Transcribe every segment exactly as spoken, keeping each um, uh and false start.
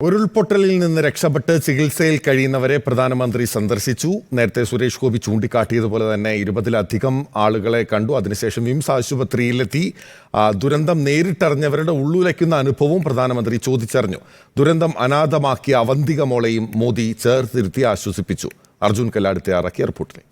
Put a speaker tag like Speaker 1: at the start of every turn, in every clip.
Speaker 1: ഉരുൾപൊട്ടലിൽ നിന്ന് രക്ഷപ്പെട്ട് ചികിത്സയിൽ കഴിയുന്നവരെ പ്രധാനമന്ത്രി സന്ദർശിച്ചു. നേരത്തെ സുരേഷ് ഗോപി ചൂണ്ടിക്കാട്ടിയതുപോലെ തന്നെ ഇരുപതിലധികം ആളുകളെ കണ്ടു. അതിനുശേഷം വിംസ് ആശുപത്രിയിലെത്തി ദുരന്തം നേരിട്ടറിഞ്ഞവരുടെ ഉള്ളുലയ്ക്കുന്ന അനുഭവവും പ്രധാനമന്ത്രി ചോദിച്ചറിഞ്ഞു. ദുരന്തം അനാഥമാക്കിയ അവന്തിക മോളെയും മോദി ചേർത്തിരുത്തി ആശ്വസിപ്പിച്ചു. അർജുൻ കല്ലാട് തയ്യാറാക്കിയ റിപ്പോർട്ടിലേക്ക്.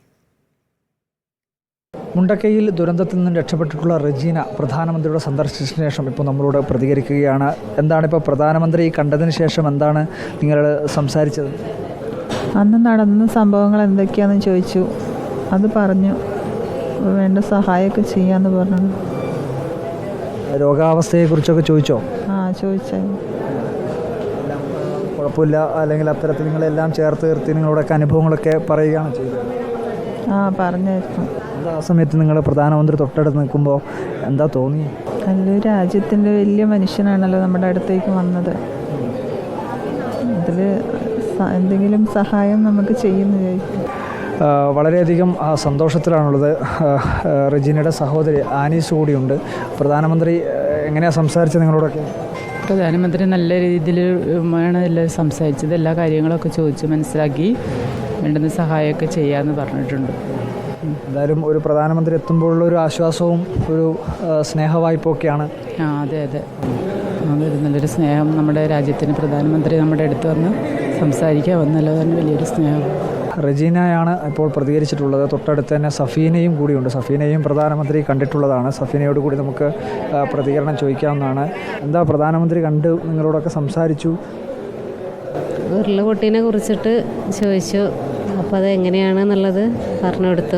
Speaker 2: മുണ്ടക്കയിൽ ദുരന്തത്തിൽ നിന്ന് രക്ഷപ്പെട്ടിട്ടുള്ള റജീന പ്രധാനമന്ത്രിയുടെ സന്ദർശിച്ചതിന് ശേഷം ഇപ്പോൾ നമ്മളോട് പ്രതികരിക്കുകയാണ്. എന്താണ് ഇപ്പോൾ പ്രധാനമന്ത്രി കണ്ടതിന് ശേഷം എന്താണ് നിങ്ങൾ സംസാരിച്ചത്?
Speaker 3: അന്ന് നടന്ന സംഭവങ്ങൾ എന്തൊക്കെയാണെന്ന് ചോദിച്ചു. അത് പറഞ്ഞു, വേണ്ട സഹായമൊക്കെ ചെയ്യാമെന്ന് പറഞ്ഞു.
Speaker 2: രോഗാവസ്ഥയെക്കുറിച്ചൊക്കെ ചോദിച്ചോ?
Speaker 3: ആ ചോദിച്ചായിരുന്നു.
Speaker 2: കുഴപ്പമില്ല അല്ലെങ്കിൽ അത്തരത്തിൽ നിങ്ങളെല്ലാം ചേർത്ത് നിർത്തി നിങ്ങളോടൊക്കെ അനുഭവങ്ങളൊക്കെ പറയുകയാണ് ചെയ്തത്?
Speaker 3: ആ പറഞ്ഞായിരുന്നു.
Speaker 2: ആ സമയത്ത് നിങ്ങൾ പ്രധാനമന്ത്രി തൊട്ടടുത്ത് നിൽക്കുമ്പോൾ എന്താ തോന്നി?
Speaker 3: നല്ലൊരു രാജ്യത്തിൻ്റെ വലിയ മനുഷ്യനാണല്ലോ നമ്മുടെ അടുത്തേക്ക് വന്നത്. അതിൽ എന്തെങ്കിലും സഹായം നമുക്ക് ചെയ്യുന്നു ചോദിക്കും.
Speaker 2: വളരെയധികം സന്തോഷത്തിലാണുള്ളത്. റജീനയുടെ സഹോദരി ആനീസ് കൂടിയുണ്ട്. പ്രധാനമന്ത്രി എങ്ങനെയാണ് സംസാരിച്ചത് നിങ്ങളോടൊക്കെ?
Speaker 4: പ്രധാനമന്ത്രി നല്ല രീതിയിൽ ആണ് എല്ലാം സംസാരിച്ചത്. എല്ലാ കാര്യങ്ങളൊക്കെ ചോദിച്ച് മനസ്സിലാക്കി വേണ്ടുന്ന സഹായമൊക്കെ ചെയ്യാമെന്ന് പറഞ്ഞിട്ടുണ്ട്.
Speaker 2: എന്തായാലും ഒരു പ്രധാനമന്ത്രി എത്തുമ്പോഴുള്ള ഒരു ആശ്വാസവും ഒരു സ്നേഹവായ്പൊക്കെയാണ്.
Speaker 4: ആ അതെ അതെ അതൊരു നല്ലൊരു സ്നേഹം. നമ്മുടെ രാജ്യത്തിന് പ്രധാനമന്ത്രി നമ്മുടെ അടുത്ത് വന്ന് സംസാരിക്കാൻ വന്നല്ലോ, തന്നെ വലിയൊരു സ്നേഹം.
Speaker 2: റജീനയാണ് ഇപ്പോൾ പ്രതികരിച്ചിട്ടുള്ളത്. തൊട്ടടുത്ത് തന്നെ സഫീനയും കൂടിയുണ്ട്. സഫീനയും പ്രധാനമന്ത്രി കണ്ടിട്ടുള്ളതാണ്. സഫീനയോട് കൂടി നമുക്ക് പ്രതികരണം ചോദിക്കാവുന്നതാണ്. എന്താ പ്രധാനമന്ത്രി കണ്ട് നിങ്ങളോടൊക്കെ സംസാരിച്ചു?
Speaker 5: ഉരുളുപൊട്ടിനെ കുറിച്ചിട്ട് ചോദിച്ചു. അപ്പോൾ അത് എങ്ങനെയാണെന്നുള്ളത് പറഞ്ഞു കൊടുത്തു.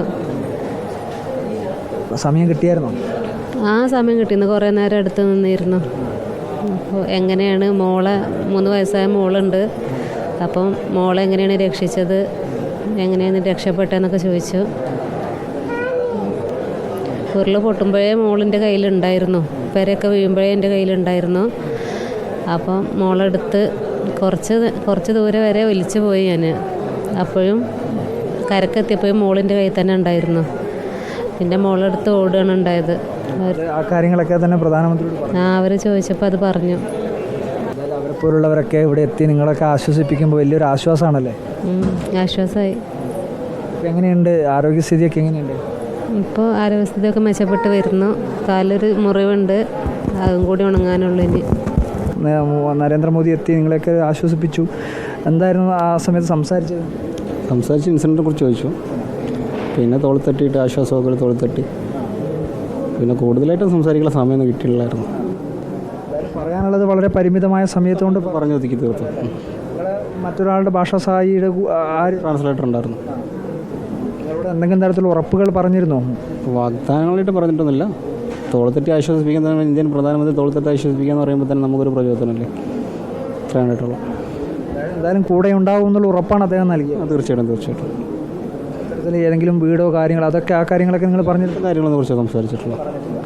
Speaker 2: സമയം കിട്ടിയായിരുന്നോ?
Speaker 5: ആ സമയം കിട്ടിയിരുന്നു. കുറേ നേരം അടുത്ത് നിന്നിരുന്നു. അപ്പോൾ എങ്ങനെയാണ് മോളെ, മൂന്ന് വയസ്സായ മോളുണ്ട്, അപ്പം മോളെ എങ്ങനെയാണ് രക്ഷിച്ചത്, എങ്ങനെയാണ് രക്ഷപ്പെട്ടതെന്നൊക്കെ ചോദിച്ചു. ഉരുൾ പൊട്ടുമ്പോഴേ മോളിൻ്റെ കയ്യിലുണ്ടായിരുന്നു, പെരയൊക്കെ വീഴുമ്പോഴേ എൻ്റെ കയ്യിലുണ്ടായിരുന്നു. അപ്പം മോളെടുത്ത് കുറച്ച് കുറച്ച് ദൂരെ വരെ ഒലിച്ചു പോയി ഞാൻ. അപ്പോഴും കരക്കെത്തിയപ്പോഴും മോളിൻ്റെ കയ്യിൽ തന്നെ ഉണ്ടായിരുന്നു. പിന്നെ മോളെടുത്ത് ഓടുകയാണ് ഉണ്ടായത്.
Speaker 2: ആ കാര്യങ്ങളൊക്കെ തന്നെ പ്രധാനമന്ത്രി
Speaker 5: ആ അവർ ചോദിച്ചപ്പോൾ അത് പറഞ്ഞു.
Speaker 2: അവരെ പോലുള്ളവരൊക്കെ ഇവിടെ എത്തി നിങ്ങളൊക്കെ ആശ്വസിപ്പിക്കുമ്പോൾ വലിയൊരു ആശ്വാസമാണല്ലേ?
Speaker 5: ആശ്വാസമായി.
Speaker 2: എങ്ങനെയുണ്ട് ആരോഗ്യസ്ഥിതിയൊക്കെ? എങ്ങനെയുണ്ട്
Speaker 5: ഇപ്പോൾ? ആരോഗ്യസ്ഥിതിയൊക്കെ മെച്ചപ്പെട്ട് വരുന്നു. കാലൊരു മുറിവുണ്ട്, അതും കൂടി ഉണങ്ങാനുള്ളൂ ഇനി.
Speaker 2: നരേന്ദ്രമോദി എത്തി നിങ്ങളെയൊക്കെ ആശ്വസിപ്പിച്ചു. എന്തായിരുന്നു ആ സമയത്ത് സംസാരിച്ചത്?
Speaker 6: സംസാരിച്ച് ഇൻസിഡൻറ്റിനെ കുറിച്ച് ചോദിച്ചു. പിന്നെ തോളിത്തട്ടിയിട്ട് ആശ്വാസമൊക്കെ തോളിത്തട്ടി. പിന്നെ കൂടുതലായിട്ടും സംസാരിക്കാനുള്ള സമയമൊന്നും കിട്ടിയില്ലായിരുന്നു.
Speaker 2: പറയാനുള്ളത് വളരെ പരിമിതമായ സമയത്തുകൊണ്ട്
Speaker 6: പറഞ്ഞു ഒതുക്കി തീർത്തു.
Speaker 2: മറ്റൊരാളുടെ ഭാഷാ സഹായിയുടെ ആര്
Speaker 6: ട്രാൻസ്ലേറ്റർ ഉണ്ടായിരുന്നു.
Speaker 2: നിങ്ങളോട് എന്തെങ്കിലും തരത്തിലുള്ള ഉറപ്പുകൾ പറഞ്ഞിരുന്നോ?
Speaker 6: വാഗ്ദാനങ്ങളായിട്ട് പറഞ്ഞിട്ടൊന്നുമില്ല. തോളിത്തട്ടി ആശ്വസിപ്പിക്കാൻ ഇന്ത്യൻ പ്രധാനമന്ത്രി തോളിത്തട്ടി ആശ്വസിപ്പിക്കുക എന്ന് പറയുമ്പോൾ തന്നെ നമുക്കൊരു പ്രചോദനമല്ലേ. ഇത്രയായിട്ടുള്ളൂ.
Speaker 2: എന്തായാലും കൂടെ ഉണ്ടാവും എന്നുള്ള ഉറപ്പാണ് അദ്ദേഹം നൽകിയത്.
Speaker 6: തീർച്ചയായിട്ടും തീർച്ചയായിട്ടും.
Speaker 2: ഇത്തരത്തിൽ ഏതെങ്കിലും വീടോ കാര്യങ്ങളോ അതൊക്കെ ആ കാര്യങ്ങളൊക്കെ നിങ്ങൾ പറഞ്ഞിട്ടുള്ള
Speaker 6: കാര്യങ്ങളെ കുറിച്ച് സംസാരിച്ചിട്ടുള്ള.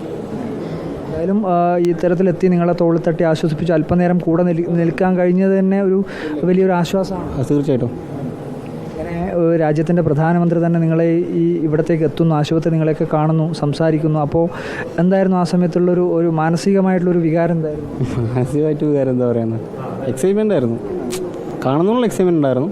Speaker 2: എന്തായാലും ഈ തരത്തിലെത്തി നിങ്ങളെ തോളിത്തട്ടി ആശ്വസിപ്പിച്ച് അല്പനേരം കൂടെ നിൽക്കാൻ കഴിഞ്ഞത് തന്നെ ഒരു വലിയൊരു ആശ്വാസമാണ്.
Speaker 6: തീർച്ചയായിട്ടും.
Speaker 2: ഇങ്ങനെ രാജ്യത്തിൻ്റെ പ്രധാനമന്ത്രി തന്നെ നിങ്ങളെ ഈ ഇവിടത്തേക്ക് എത്തുന്നു, ആശുപത്രി നിങ്ങളെയൊക്കെ കാണുന്നു, സംസാരിക്കുന്നു. അപ്പോൾ എന്തായിരുന്നു ആ സമയത്തുള്ളൊരു ഒരു മാനസികമായിട്ടുള്ളൊരു വികാരം എന്തായിരുന്നു?
Speaker 6: മാനസികമായിട്ട് വികാരം എന്താ പറയുന്നത്, എക്സൈറ്റ്മെൻ്റ് ആയിരുന്നു. കാണുന്നുള്ള എക്സൈറ്റ്മെൻ്റ് ഉണ്ടായിരുന്നു.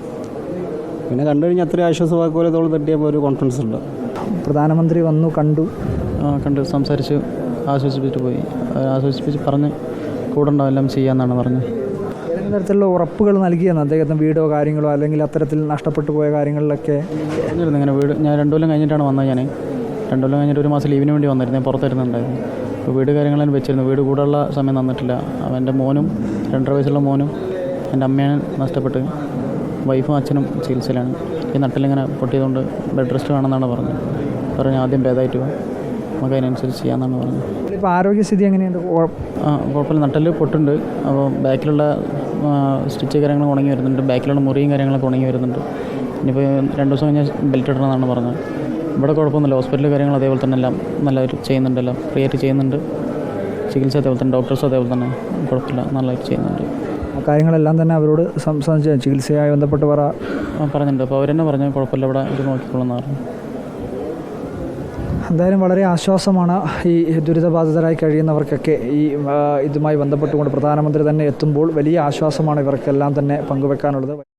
Speaker 6: പിന്നെ കണ്ടു കഴിഞ്ഞാൽ അത്രയും ആശ്വാസവാക്ക് പോലെ തോൾ തട്ടിയപ്പോൾ ഒരു കോൺഫിഡൻസ് ഉണ്ട്.
Speaker 2: പ്രധാനമന്ത്രി വന്നു, കണ്ടു,
Speaker 4: കണ്ട് സംസാരിച്ച് ആശ്വസിപ്പിച്ചിട്ട് പോയി. ആശ്വസിപ്പിച്ച് പറഞ്ഞ് കൂടെ ഉണ്ടാവും, എല്ലാം ചെയ്യാമെന്നാണ് പറഞ്ഞത്.
Speaker 2: ഏതെങ്കിലും തരത്തിലുള്ള ഉറപ്പുകൾ നൽകിയെന്ന് അദ്ദേഹത്തിന് വീടോ കാര്യങ്ങളോ അല്ലെങ്കിൽ അത്തരത്തിൽ നഷ്ടപ്പെട്ടു പോയ കാര്യങ്ങളിലൊക്കെ?
Speaker 4: പറഞ്ഞിരുന്നു ഇങ്ങനെ വീട്. ഞാൻ രണ്ടു കൊല്ലം കഴിഞ്ഞിട്ടാണ് വന്നത്. ഞാൻ രണ്ടു കൊല്ലം കഴിഞ്ഞിട്ട് ഒരു മാസം ലീവിന് വേണ്ടി വന്നിരുന്നു. ഞാൻ പുറത്തായിരുന്നുണ്ടായിരുന്നു. ഇപ്പോൾ വീട് കാര്യങ്ങളും വെച്ചിരുന്നു. വീട് കൂടെയുള്ള സമയം തന്നിട്ടില്ല. അവൻ്റെ മോനും രണ്ടര വയസ്സുള്ള മോനും എൻ്റെ അമ്മയാണ് നഷ്ടപ്പെട്ട്. വൈഫും അച്ഛനും ചികിത്സയിലാണ്. ഈ നട്ടിലിങ്ങനെ പൊട്ടിയതുകൊണ്ട് ബെഡ് റെസ്റ്റ് വേണമെന്നാണ് പറഞ്ഞത്. പറഞ്ഞ് ആദ്യം ഭേദമായിട്ട് പോകും, നമുക്ക് അതിനനുസരിച്ച് ചെയ്യാമെന്നാണ് പറഞ്ഞത്.
Speaker 2: ഇപ്പോൾ ആരോഗ്യസ്ഥിതി എങ്ങനെയുണ്ട്?
Speaker 4: ആ കുഴപ്പമില്ല. നട്ടിൽ പൊട്ടുണ്ട്. അപ്പോൾ ബാക്കിലുള്ള സ്റ്റിച്ച് കാര്യങ്ങൾ ഉണങ്ങി വരുന്നുണ്ട്. ബാക്കിലുള്ള മുറിയും കാര്യങ്ങളൊക്കെ ഉണങ്ങി വരുന്നുണ്ട്. ഇനിയിപ്പോൾ രണ്ട് ദിവസം കഴിഞ്ഞാൽ ബെൽറ്റ് ഇടണമെന്നാണ് പറഞ്ഞത്. ഇവിടെ കുഴപ്പമൊന്നുമില്ല. ഹോസ്പിറ്റൽ കാര്യങ്ങൾ അതേപോലെ തന്നെ എല്ലാം നല്ലതായിട്ട് ചെയ്യുന്നുണ്ടല്ലോ. ഫ്രീ ആയിട്ട് ചെയ്യുന്നുണ്ട്. ചികിത്സ അതേപോലെ തന്നെ, ഡോക്ടേഴ്സ് അതേപോലെ തന്നെ കുഴപ്പമില്ല, നല്ലതായിട്ട് ചെയ്യുന്നുണ്ട്.
Speaker 2: ആ കാര്യങ്ങളെല്ലാം തന്നെ അവരോട് സംസാരിച്ച് ചികിത്സയുമായി ബന്ധപ്പെട്ട് പറ
Speaker 4: പറഞ്ഞിട്ടുണ്ട്. അപ്പോൾ അവർ തന്നെ പറഞ്ഞു കുഴപ്പമില്ല, ഇവിടെ ഇത് നോക്കിക്കൊള്ളുന്ന പറഞ്ഞു.
Speaker 2: എന്തായാലും വളരെ ആശ്വാസമാണ് ഈ ദുരിതബാധിതരായി കഴിയുന്നവർക്കൊക്കെ ഈ ആ, ഇതുമായി ബന്ധപ്പെട്ടുകൊണ്ട് പ്രധാനമന്ത്രി തന്നെ എത്തുമ്പോൾ വലിയ ആശ്വാസമാണ് ഇവർക്കെല്ലാം തന്നെ പങ്കുവെക്കാനുള്ളത്.